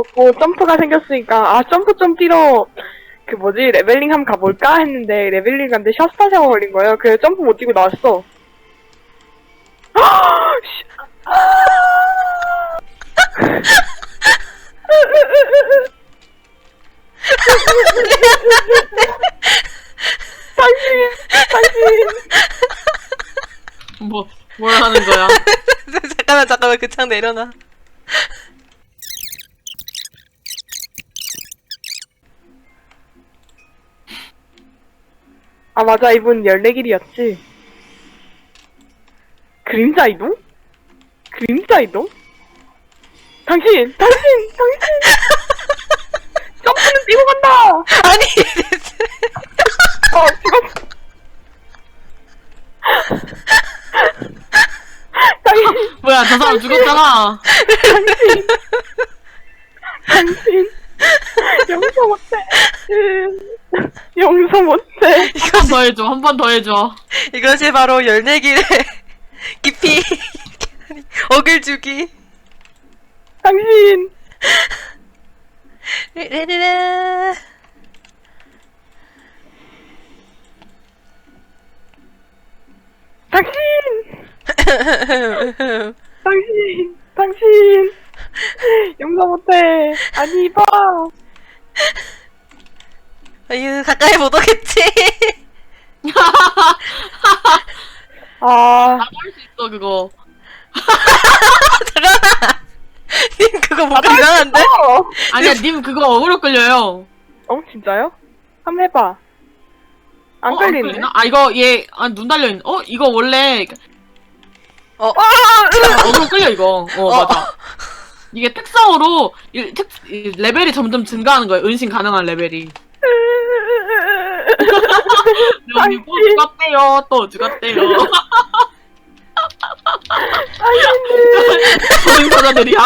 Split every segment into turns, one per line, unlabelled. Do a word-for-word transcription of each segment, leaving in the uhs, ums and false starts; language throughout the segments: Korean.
없고 점프가 생겼으니까 아 점프 좀 뛰러 그 뭐지 레벨링 한번 가볼까 했는데 레벨링 갔는데 샷스타샤가 걸린 거예요. 그래서 점프 못 뛰고 나왔어. 당신 당신
뭐, 뭘 하는 거야?
잠깐만 잠깐만 그 창 내려놔.
아 맞아 이분 열네 길이었지. 그림자 이동? 그림자 이동? 당신! 당신! 당신! 점프는 뛰고 간다!
아니
어 죽었어. 당신!
뭐야, 저 사람 죽었잖아.
당신! 당신! 용서 못해. 용서 못해.
한 번 더 해줘, 한 번 더 해줘.
이것이 바로 열네 길의 깊이 어글주기.
당신!
르르르.
당신! 당신! 당신! 용서 못해. 아니 봐.
아유 가까이 못 오겠지.
아,
나도 할 수 있어, 그거.
잠깐만. 님 그거 뭔가 이상한데?
어,
아니야, 님 그거 어그로 끌려요.
어 진짜요? 한번 해봐. 안
어,
걸리네.
끌리나? 아, 이거, 얘, 아, 눈 달려있는, 어? 이거 원래,
어.
어그로 끌려, 이거. 어,
어.
맞아. 이게 특성으로, 이, 특, 이 레벨이 점점 증가하는 거야. 은신 가능한 레벨이. 여기 또 죽었대요, 또 죽었대요. 조등사자들이야.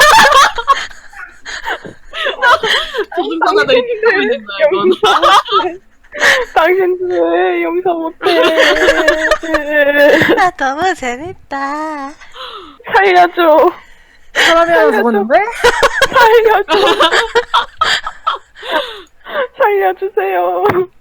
조등사자들이 뛰고 있는 거야, 이건.
당신들 용서 못해.
아 너무 재밌다.
살려줘.
사람이 하나 죽었는데?
살려줘. 살려주세요.